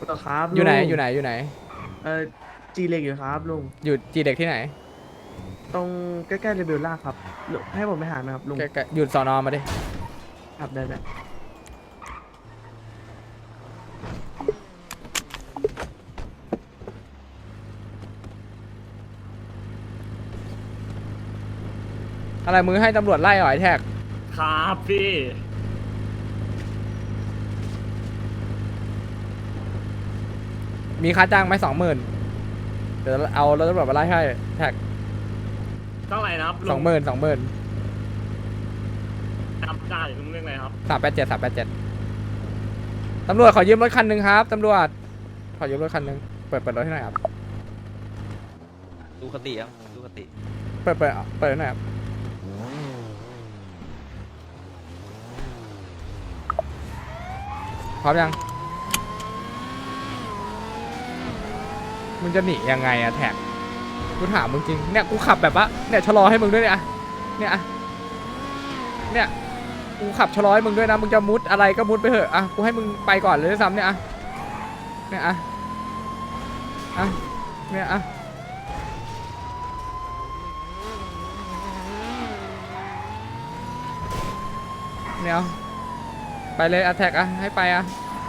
ต่อครับอยู่ไหนลุงอยู่ไหนเออจีเล็กอยู่ครับลุงอยู่จีเด็กที่ไหนตรงใกล้ๆเรเบลล่าครับลุงให้ผมไปหาไหมครับลุงใกล้ๆอยู่สอนอมาดิครับได้อะไรมือให้ตำรวจไล่เหรอไอ้แท็กครับพี่มีค่าจ้างไหม20,000เดี๋ยวเอารถตำรวจมาไล่ให้แท็กเท่าไหร่นะครับสลุงองหมื่น20,000 จำได้ลุงเรื่องอะไรครับ 387ตำรวจขอยืมรถคันหนึ่งครับตำรวจขอยืมรถคันหนึ่งเปิดรถให้หน่อยครับดูคติครับดูคติเปิดให้หน่อยครับพร้อมยังมึงจะหนียังไงอะแท็กกูถามมึงจริงเนี่ยกูขับแบบว่าเนี่ยชะลอให้มึงด้วยเนี่ยอะเนี่ยอะเนี่ยกูขับชะลอให้มึงด้วยนะมึงจะมุดอะไรก็มุดไปเถอะอะกูให้มึงไปก่อนเลยด้วยซ้ำเนี่ยอะเนี่ยอะอะเนี่ยอะเนี่ยเอาไปเลยอะแท็กอะให้ไปอะ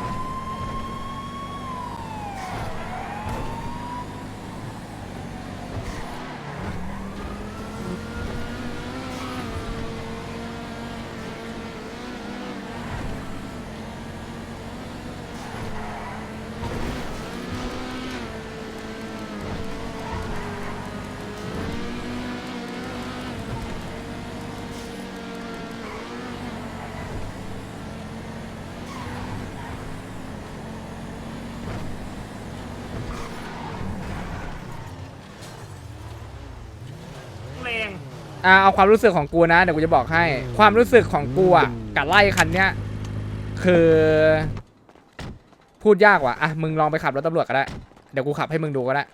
แรงเอาความรู้สึกของกูนะเดี๋ยวกูจะบอกให้ความรู้สึกของกูอะกับไล่คันเนี้ยคือพูดยากว่ะอะมึงลองไปขับรถตำรวจก็ได้เดี๋ยวกูขับให้มึงดูก็ได้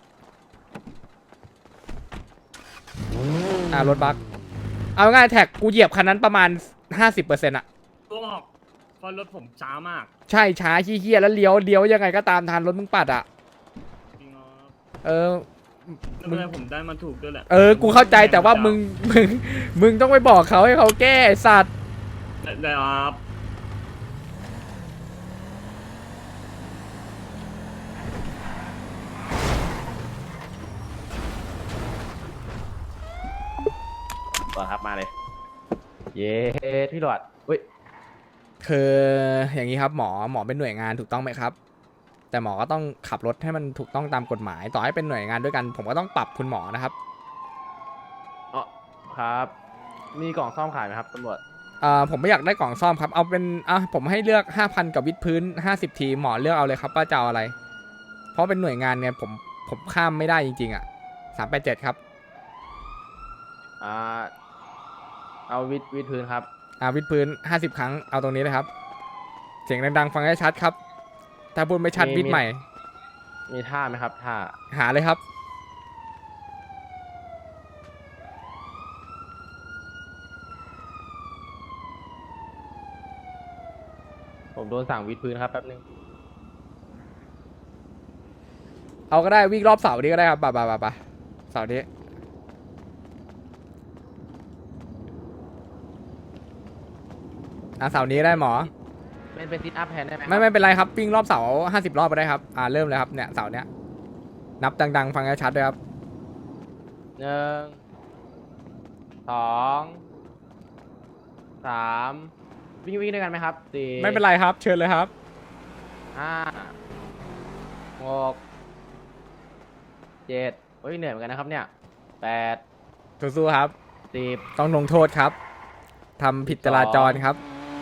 รถบัสเอาง่ายแท็กกูเหยียบคันนั้นประมาณ50%อะตัวออกเพราะรถผมช้ามากใช่ช้าเฮี้ยๆแล้วเลี้ยวยังไงก็ตามทันรถมึงปัดอะจริงครับเออแล้วมึงเมื่อผมได้มาถูกด้วยแหละกูเข้าใจแต่ว่ามึงต้องไปบอกเขาให้เขาแก้ไอ้สัตว์ได้ครับก่อนครับมาเลย เย้พี่หลอดเฮ้ยคืออย่างนี้ครับหมอเป็นหน่วยงานถูกต้องไหมครับแต่หมอก็ต้องขับรถให้มันถูกต้องตามกฎหมายต่อให้เป็นหน่วยงานด้วยกันผมก็ต้องปรับคุณหมอนะครับอ๋อครับมีกล่องซ่อมขายไหมครับตำรวจผมไม่อยากได้กล่องซ่อมครับเอาเป็นผมให้เลือก 5,000กับวิดพื้น50ทีหมอเลือกเอาเลยครับว่าจะเอาอะไรเพราะเป็นหน่วยงานเนี่ยผมข้ามไม่ได้จริงๆอ่ะ387ครับอ่าเอาวิดพื้นครับวิดพื้น50ครั้งเอาตรงนี้เลยครับเสียงดังๆฟังให้ชัดครับถ้าพูดไม่ชัดวิดใหม่มีท่าไหมครับท่าหาเลยครับผมโดนสั่งวิดพื้นครับแป๊บนึงเอาก็ได้วิ่งรอบเสานี้ก็ได้ครับป่ะเสานี้เสานี้ได้หมอเป็นซิทอัพแทนได้ไหมไม่เป็นไรครับวิ่งรอบเสา50 รอบไปได้ครับเริ่มเลยครับเนี่ยเสาเนี้ยนับดังๆฟังให้ชัดด้วยครับ 1 2 3วิ่งด้วยกันไหมครับ4 ไม่เป็นไรครับเชิญเลยครับ 5 6 7เฮ้ยเหนื่อยเหมือนกันนะครับเนี่ย8 สู้ๆครับ 10 ต้องลงโทษครับทำผิดจราจรครับ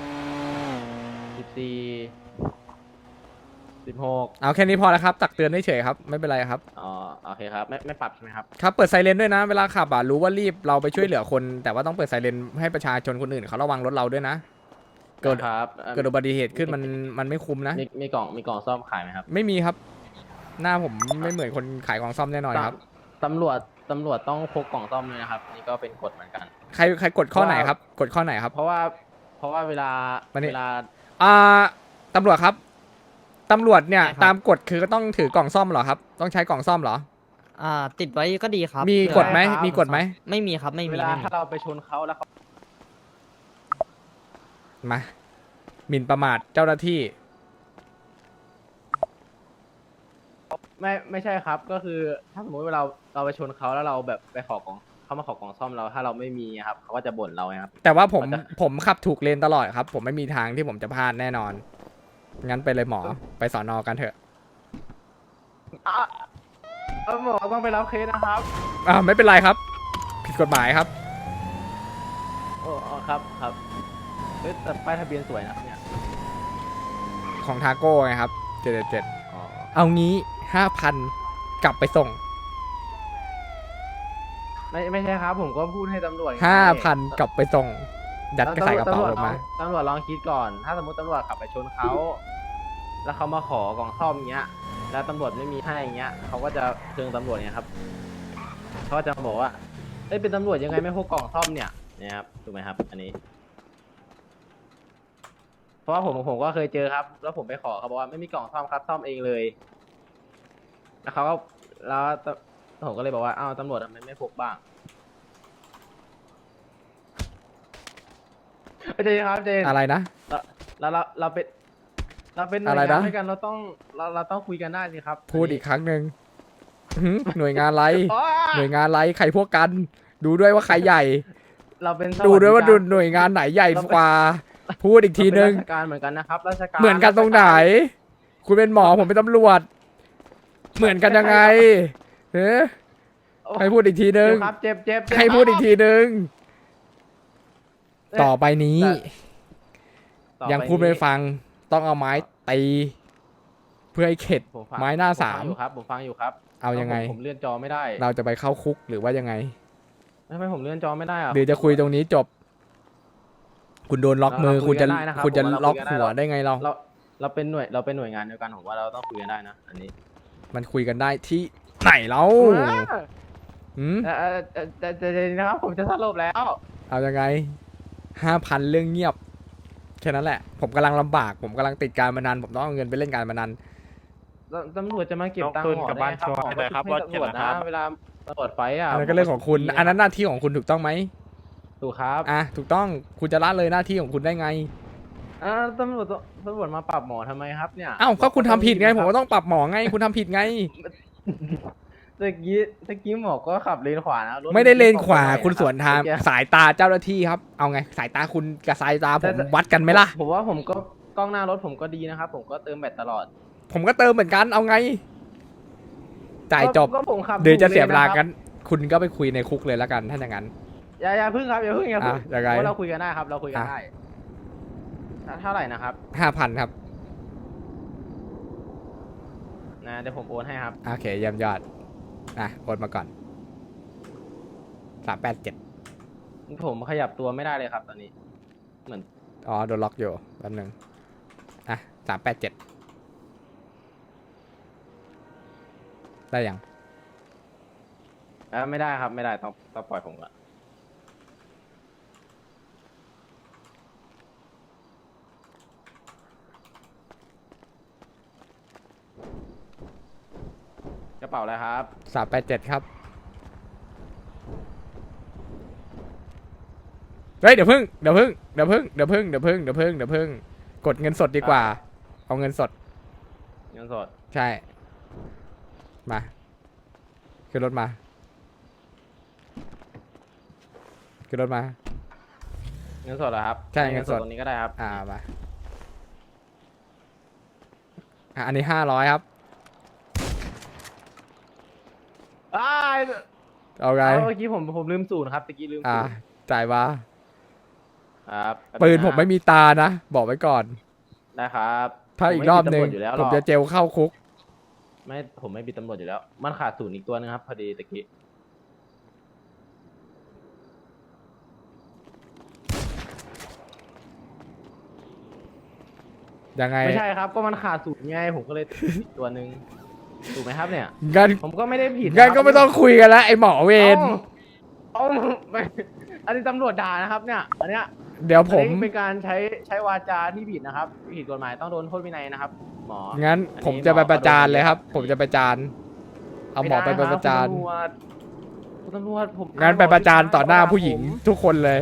14 16 เอาแค่นี้พอแล้วครับตักเตือนเฉยๆครับไม่เป็นไรครับอ๋อโอเคครับไม่ปรับใช่ไหมครับครับเปิดไซเรนด้วยนะเวลาขับรู้ว่ารีบเราไปช่วยเหลือคนแต่ว่าต้องเปิดไซเรนให้ประชาชนคนอื่นเขาระวังรถเราด้วยนะเกิดครับเกิดอุบัติเหตุขึ้นมันไม่คุ้มนะมีกล่องซ่อมขายไหมครับไม่มีครับหน้าผมไม่เหมือนคนขายของซ่อมแน่นอนครับตำรวจต้องพกกล่องซ่อมเลยนะครับนี่ก็เป็นกฎเหมือนกันใครกดข้อไหนครับกดข้อไหนครับเพราะว่าเวลาตำรวจครับตำรวจเนี่ยใช่ครับตามกฎคือก็ต้องถือกล่องซ่อมเหรอครับ ต้องใช้กล่องซ่อมเหรอติดไว้ก็ดีครับมีเผื่อกฎไหมครับมีกฎไหมไม่มีครับไม่มีเวลาไม่มีถ้าเราไปชนเขาแล้วเขามาหมิ่นประมาทเจ้าหน้าที่ไม่ใช่ครับ ก็คือถ้าสมมติว่าเราไปชนเขาแล้วเราแบบไปขอกล่องเขามาขอกล่องซ่อมเราถ้าเราไม่มีครับเขาก็จะบ่นเราไงครับแต่ว่าผมมันจะผมขับถูกเลนตลอดครับ ผมไม่มีทางที่ผมจะพลาดแน่นอน งั้นไปเลยหมอไปสอนอกันเถอะหมอต้องไปรับเคสนะครับไม่เป็นไรครับ ผิดกฎหมายครับอ๋อครับเฮ้ยแต่ป้ายทะเบียนสวยนะครับเนี่ยของทาโก้ไงครับ777 อ๋อเอางี้ 5,000 กลับไปส่งไม่ใช่ครับ ผมก็พูดให้ตำรวจไง 5,000 กลับไปส่ง ยัดกระใส่กระเป๋าลงมาตำรวจลองคิดก่อน ถ้าสมมติตำรวจขับไปชนเขาแล้วเขามาขอกล่องซ่อมเงี้ย แล้วตำรวจไม่มีให้เงี้ยเขาก็จะเชิงตำรวจเนี่ยครับเขาก็จะบอกว่าเอ้ยเป็นตำรวจยังไงไม่พกกล่องซ่อมเนี่ยครับถูกไหมครับ อันนี้ เพราะว่าผมก็เคยเจอครับ แล้วผมไปขอเขาบอกว่าไม่มีกล่องซ่อมครับซ่อมเองเลย แล้วเขาก็แล้วผมก็เลยบอกว่าอ้าวตำรวจทำไมไม่พกบ้างเจครับเจนอะไรนะเราเป็นหน่วยอะไรงานนะด้วยกันเราต้องคุยกันได้สิครับพูดอีกครั้งหนึ่งหน่วยงานอะไรอ๋อหน่วยงานอะไรใครพวกกัน ดูด้วยว่าใครใหญ่เราเป็นดูด้วยว่าสสหน่วยงานไหนใหญ่กว่า พูดอีกทีนึงเราเป็นราชการเหมือนกันนะครับราชการเหมือนกันตรงไหน คุณเป็นหมอผมเป็นตำรวจ เหมือนกันยังไงเฮ้ให้พูดอีกทีนึงเจ็บครับเจ็บให้พูดอีกทีนึง ต่อไปนี้ต่อปยังพูดไม่ฟังต้องเอาไม้ตีเพื่อให้เข็ดผมฟังไม้หน้าสามผมฟังอยู่ครับเอายังไงผมเลื่อนจอไม่ได้เราจะไปเข้าคุกหรือว่ายังไงทำไมผมเลื่อนจอไม่ได้อะหรือจะคุยตรงนี้จบ คุณโดนล็อกมือเราคุคุณยกัจะนได้นะครับคุณจะผมว่าเราล็อกคุยกันได้หัวได้ไงเราเราเป็นหน่วยงานเดียวกันผมว่าเราต้องคุยกันได้นะอันนี้มันคุยกันได้ที่ไหนเราหืมแต่นะครับผมจะสรุปแล้วเอายังไง5,000เรื่องเงียบแค่นั้นแหละ ผมกำลังลำบาก ผมกำลังติดการพนันผมต้องเอาเงินไปเล่นการพนันตำรวจจะมาเก็บตังค์น้องหมอคืนกลับบ้านได้ครับชัวร์เลยครับหมอก็ให้ตำรวจว่าเจ็บนะครับเวลาตำรวจไฟอ่ะอันนั้นก็เรื่องของคุณ อันนั้นหน้าที่ของคุณถูกต้องไหมถูกครับถูกต้องคุณจะละเลยหน้าที่ของคุณได้ไงตำรวจมาปรับหมอทำไมครับเนี่ยก็คุณทำผิดไง ผมก็ต้องปรับหมอไง คุณทำผิดไงตะกี้หมอก็ขับเลนขวานะรถไม่ได้เลนขวาไม่ได้คุณสวนทางเมื่อกี้สายตาเจ้าหน้าที่ครับ เอาไง สายตาคุณกับสายตาผมวัดกันไหมล่ะผมว่าผมก็กล้องหน้ารถผมก็ดีนะครับ ผมก็เติมแบตตลอดผมก็เติมเหมือนกัน เอาไง จ่ายจบก็ผมขับเดี๋ยวจะเสียเวลาถูกัน คุณก็ไปคุยในคุกเลยแล้วกันถ้าอย่างนั้นอย่าพึ่งครับอย่าพึ่งยังไงเพราะเราคุยกันได้ครับ เราคุยกันอ่ะได้เท่าไหร่นะครับ 5,000ครับนะเดี๋ยวผมโอนให้ครับโอเคเยี่ยมยอดโอนมาก่อน387 ผมขยับตัวไม่ได้เลยครับ ตอนนี้ เหมือนอ๋อโดนล็อกอยู่แป๊บนึง387ได้ยังไม่ได้ครับไม่ได้ต้องปล่อยผมก่อนกระเป๋าอะไรครับ 387ครับเฮ้ยเดี๋ยวพึ่งกดเงินสดดีกว่า เอาเงินสดเงินสดใช่มาขึ้นรถมาขึ้นรถมาเงินสดเหรอครับใช่เงินสดตรงนี้ก็ได้ครับมาอันนี้500ครับ เอาไงเมื่อกี้ผมลืมศูนย์ครับตะกี้ลืมศูนย์จ่ายมาครับปืนผมไม่มีตานะ บอกไว้ก่อนได้ครับถ้าอีกรอบหนึ่งผมไม่มีตำรวจอยู่แล้วหรผอกมจะเจลเข้าคุกผมไม่มีตำรวจอยู่แล้ว มันขาดศูนย์อีกตัวนึงครับพอดีตะกี้ยังไงไม่ใช่ครับ ก็มันขาดศูนย์ไงผมก็เลยอีกตัวนึงถูกไหมครับเนี่ยงั้นผมก็ไม่ได้ผิดงั้นก็ไม่ต้องคุยกันแล้วไอ้หมอเวรเอาไม่อันนี้ตำรวจด่านะครับ เนี่ย อันเนี้ยเดี๋ยวผมอันนี้เป็นการใช้วาจาที่ผิดนะครับผิดกฎหมายต้องโดนโทษวินัยนะครับ หมองั้นอันนี้ผมจะไปประจานเลยครับหมอผมจะประจานเอาหมอไปม่ด้ประจานคุณตำรวจผมงั้นไปประจานต่อหน้าผู้หญิงทุกคนเลย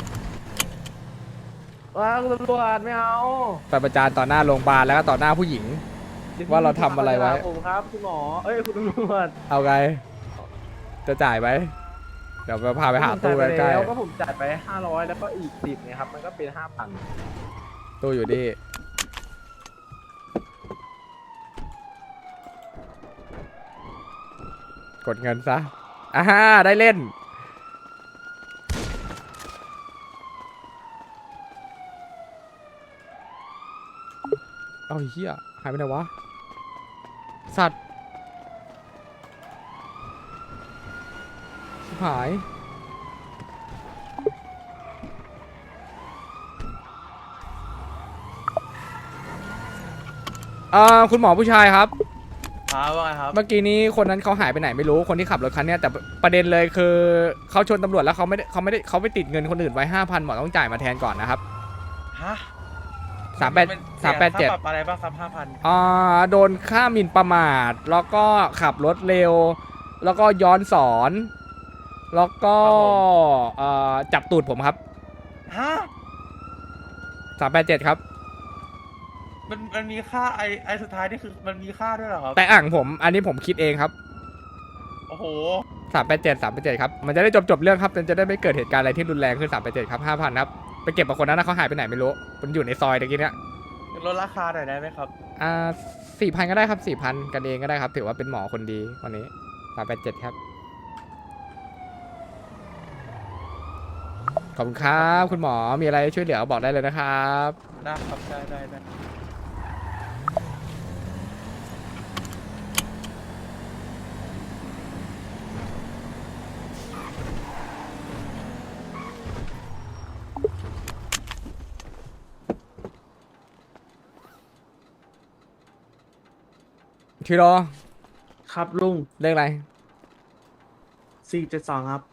ว้าวคุณตำรวจไม่เอาไปประจานต่อหน้าโรงพยาบาลแล้วก็ต่อหน้าผู้หญิง ว่าเราทำอะไรไว้ผมครับคุณหมอเอ้ยคุณตำรวจเอาไง จะจ่ายไหมเดี๋ยวพาไปหาตู้ใกล้แล้วก็ผมจ่ายไป500แล้วก็อีก10เนี่ยครับมันก็เป็น5,000 ๆตู้อยู่นี่กดเงินซะได้เล่น เอาเหี้ยหายไปไหนวะ สัตว์ชิบหายคุณหมอผู้ชายครับว่าไงครับเมื่อกี้นี้คนนั้นเขาหายไปไหนไม่รู้คนที่ขับรถคันเนี้ยแต่ประเด็นเลยคือเขาชนตำรวจแล้วเขาไปติดเงินคนอื่นไว้ 5,000 หมอต้องจ่ายมาแทนก่อนนะครับฮะ 387 ค่าปรับอะไรบ้างครับ5,000 โดนค่าหมิ่นประมาทแล้วก็ขับรถเร็ว แล้วก็ย้อนสอน แล้วก็จับตูดผมครับฮะ 387 ครับมันมีค่าไอสุดท้ายนี่คือมันมีค่าด้วยเหรอครับแต่อ่างผมอันนี้ผมคิดเองครับโอ้โห 387ครับมันจะได้จบเรื่องครับมันจะได้ไม่เกิดเหตุการณ์อะไรที่รุนแรงขึ้น387ครับ 5,000 ครับไปเก็บกับคนนั้นนะเขาหายไปไหนไม่รู้มันอยู่ในซอยตะกี้เนี้ยลดราคาหน่อยได้ไหมครับ 4,000 ก็ได้ครับ 4,000 กันเองก็ได้ครับ ถือว่าเป็นหมอคนดีวันนี้387ครับขอบคุณครับคุณหมอมีอะไรช่วยเหลือบอกได้เลยนะครับได้ครับได้ชิโร่ครับลุงเลขอะไร 472ครับ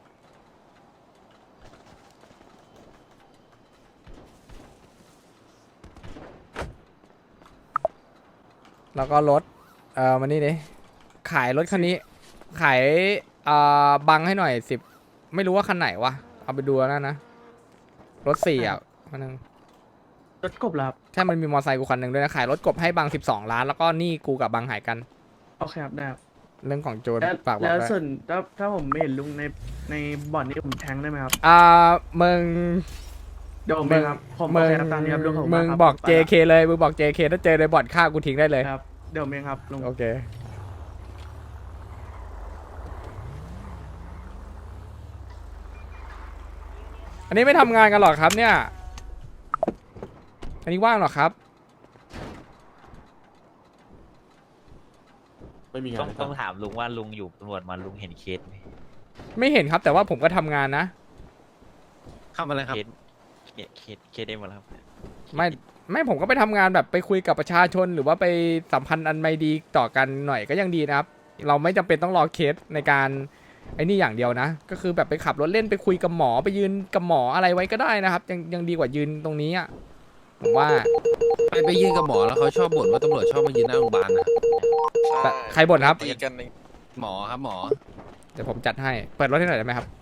แล้วก็รถมานี่ดิขายรถคันนี้ ขายบังให้หน่อย10ไม่รู้ว่าคันไหนวะเอาไปดูแล้วนะรถ4อ่ะคันนึงรถกบเหรอครับใช่มันมีมอเตอร์ไซค์กูคันหนึ่งด้วยนะขายรถกบให้บัง12 ล้านแล้วก็นี่กูกับบังหายกันโอเคครับได้ครับเรื่องของโจรแล้วฝากบอกแล้วด้วยส่วนถ้าผมไม่เห็นลุงในบ่อนนี้ผมแทงได้ไหมครับมึงเดี๋ยวผมเองครับผมโอเคครับตามนี้ครับลุงขอบคุณมึมาง ครับบอกไปละ JK เลยมึงบอก JK ถ้าเจอในบ่อนฆ่ากูทิ้งได้เลยครับเดี๋ยวผมเองครับลุงโอเคอันนี้ไม่ทำงานกันหรอครับเนี่ยอันนี้ว่างหรอครับไม่มีงานให้ต้องทำถามลุงว่าลุงอยู่ตำรวจมาลุงเห็นเคสไหมไม่เห็นครับแต่ว่าผมก็ทำงานนะทำอะไรครับเคสได้หมดแล้วครับไม่ผมก็ไปทำงานแบบไปคุยกับประชาชน หรือว่าไปสัมพันธ์อันไม่ดีต่อกันหน่อยก็ยังดีนะครับ เราไม่จำเป็นต้องรอเคสในการไอ้นี่อย่างเดียวนะ ก็คือแบบไปขับรถเล่นไปคุยกับหมอไปยืนกับหมออะไรไว้ก็ได้นะครับ ยังดีกว่ายืนตรงนี้อ่ะผมว่าไปยืนกับหมอแล้วเขาชอบบ่นว่าตำรวจชอบมายืนหน้าโรงพยาบาลนะแต่ใครบ่นครับตีกันหมอครับหมอเดี๋ยวผมจัดให้เปิดรถให้หน่อยได้ไหมครับ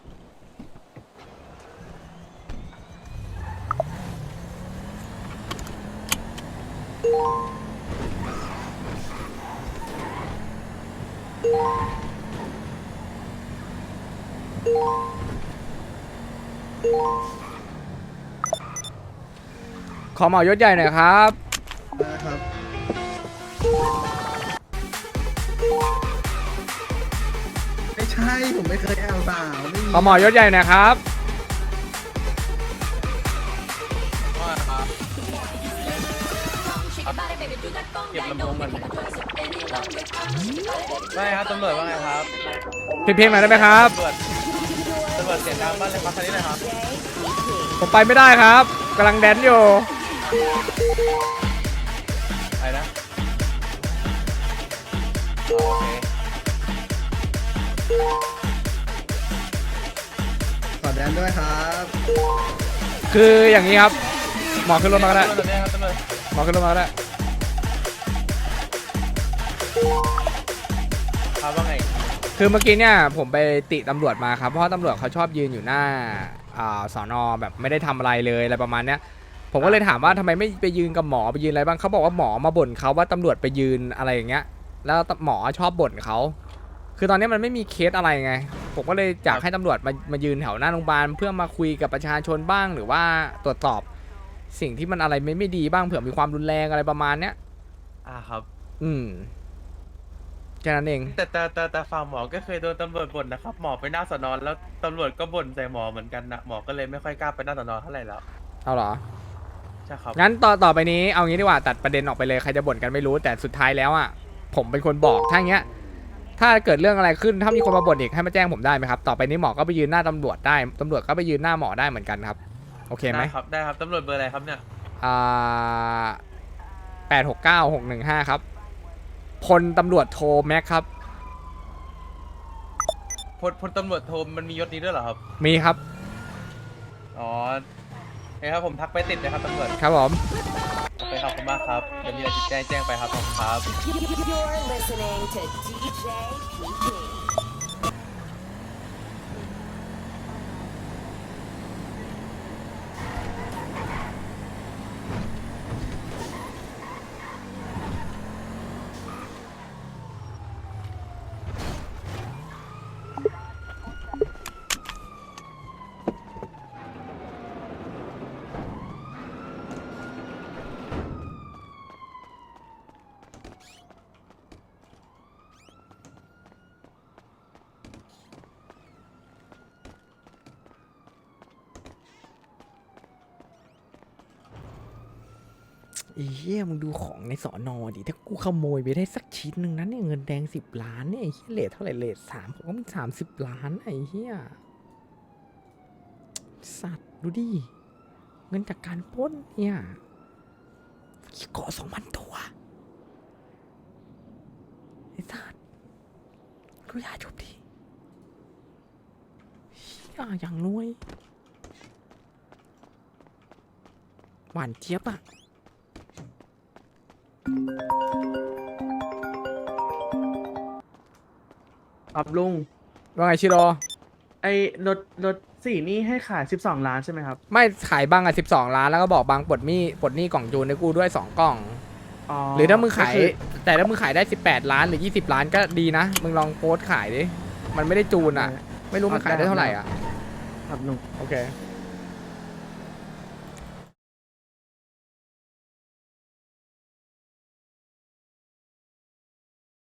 ขอเหมายศใหญ่หน่อยครับไม่ใช่ ผมไม่เคยแอลสาวไม่มีขอเหมายศใหญ่หน่อยครับเก็บลำโพงมันไม่ครับตำรวจว่าไงครับเพลงหน่อยได้ไหมครับตำรวจเสียงดังบ้านเลยครับคันนี้เลยครับผมไปไม่ได้ครับกำลังแดนอยู่ไปนะโอเคขอแดนด้วยครับคืออย่างนี้ครับ หมอขึ้นรถมาก็ได้ตำรวจเนี่ยครับตำรวจหมอขึ้นรถมาก็ได้ครับว่าไงคือเมื่อกี้เนี่ยผมไปติตำรวจมาครับเพราะว่าตำรวจเขาชอบยืนอยู่หน้าสอนอแบบไม่ได้ทำอะไรเลยอะไรประมาณเนี้ยผมก็เลยถามว่าทำไมไม่ไปยืนกับหมอไปยืนอะไรบ้างเขาบอกว่าหมอมาบ่นเขาว่าตำรวจไปยืนอะไรอย่างเงี้ยแล้วหมอชอบบ่นเขาคือตอนนี้มันไม่มีเคสอะไรไงผมก็เลยอยากให้ตำรวจมายืนแถวหน้าโรงพยาบาลเพื่อมาคุยกับประชาชนบ้างหรือว่าตรวจสอบสิ่งที่มันอะไรไม่ดีบ้างเผื่อมีความรุนแรงอะไรประมาณเนี้ยครับแค่นั้นเองแต่ฝั่งหมอก็เคยโดนตำรวจบ่นนะครับ หมอไปหน้าสอนอแล้วตำรวจก็บ่นใส่หมอเหมือนกันนะหมอก็เลยไม่ค่อยกล้าไปหน้าสอนอเท่าไหร่แล้วเอาเหรอใช่ครับงั้นต่อไปนี้เอางี้ดีกว่าตัดประเด็นออกไปเลยใครจะบ่นกันไม่รู้แต่สุดท้ายแล้วอ่ะผมเป็นคนบอกถ้าอย่างเงี้ยถ้าเกิดเรื่องอะไรขึ้นถ้ามีคนมาบ่นอีกให้มาแจ้งผมได้ไหมครับต่อไปนี้หมอก็ไปยืนหน้าตำรวจได้ตำรวจก็ไปยืนหน้าหมอได้เหมือนกันครับโอเคไหมได้ครับตำรวจเบอร์อะไรครับเนี่ย 869-615ครับพลตำรวจโทแม็กครับพลตำรวจโทมันมียศนี้ด้วยเหรอครับมีครับอ๋อโอเคครับผมทักไปติดเลยครับตำรวจครับผมโอเคขอบคุณมากครับเดี๋ยวมีอะไรจะแจ้งไปครับขอบคุณครับ You're listening to DJ PP. ไอ้เหี้ยมึงดูของในสอนอดิถ้ากูขโมยไปได้สักชิ้นหนึ่งนั้นเนี่ยเงินแดง10 ล้านเนี่ยไอ้เหี้ยเลทเท่าไหร่เลท3ผมก็มี30 ล้านไอ้เหี้ยสัตว์ดูดิเงินจากการปล้นเนี่ยเกาะ2,000 ตัวไอ้สัตว์ดูยาจบดิเหี้ยอย่างรวยหวานเจี๊ยบอะครับลุงว่าไงชิโร่ไอ้รถสีนี่ให้ขาย12 ล้านใช่ไหมครับไม่ขายบังอ่ะ12 ล้านแล้วก็บอกบังปลดหนี้กล่องจูนให้กูด้วย2 กล่องอ๋อหรือถ้ามึงขายก็คือแต่ถ้ามึงขายได้18 ล้านหรือ20 ล้านก็ดีนะ มึงลองโพสต์ขายดิ มันไม่ได้จูนอ่ะ ไม่รู้มันขายได้เท่าไหร่อ่ะครับลุงโอเคค